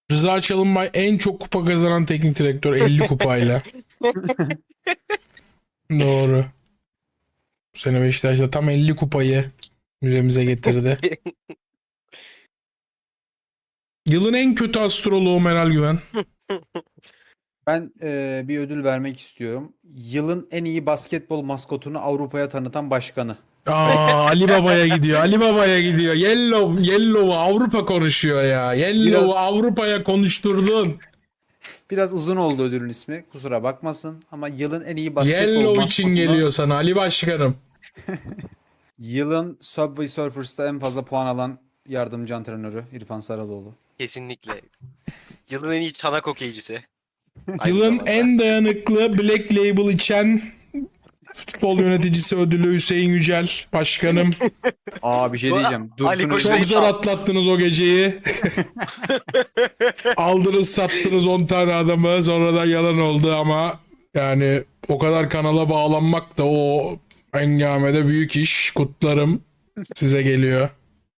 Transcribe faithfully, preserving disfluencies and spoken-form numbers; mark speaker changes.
Speaker 1: Rıza Çalınbay en çok kupa kazanan teknik direktör elli kupayla. Doğru. Bu sene Beşiktaş'ta tam elli kupayı müzemize getirdi. Yılın en kötü astroloğu Meral Güven.
Speaker 2: Ben e, bir ödül vermek istiyorum. Yılın en iyi basketbol maskotunu Avrupa'ya tanıtan başkanı.
Speaker 1: Aa, Ali Baba'ya gidiyor. Ali Baba'ya gidiyor. Yellow, Yellow'u Avrupa konuşuyor ya. Yellow'u
Speaker 2: Biraz-
Speaker 1: Avrupa'ya konuşturdun.
Speaker 2: Biraz uzun oldu ödülün ismi. Kusura bakmasın. Ama yılın en iyi basketbol
Speaker 1: Yellow için
Speaker 2: maskotunu-
Speaker 1: geliyor sana Ali Başkanım.
Speaker 2: Yılın Subway Surfers'ta en fazla puan alan yardımcı antrenörü İrfan Saraloğlu.
Speaker 3: Kesinlikle. Yılın en iyi çanak hokeycisi. Aynı
Speaker 1: Yılın
Speaker 3: zamanda.
Speaker 1: en dayanıklı Black Label içen futbol yöneticisi ödülü Hüseyin Yücel Başkanım.
Speaker 2: Aa bir şey
Speaker 3: Bu-
Speaker 2: diyeceğim.
Speaker 3: Ali
Speaker 2: Dursun
Speaker 3: Koç
Speaker 1: Çok
Speaker 2: Özbek-
Speaker 1: zor atlattınız o geceyi. Aldınız sattınız on tane adamı, sonradan yalan oldu ama yani o kadar kanala bağlanmak da o engamede büyük iş. Kutlarım size geliyor.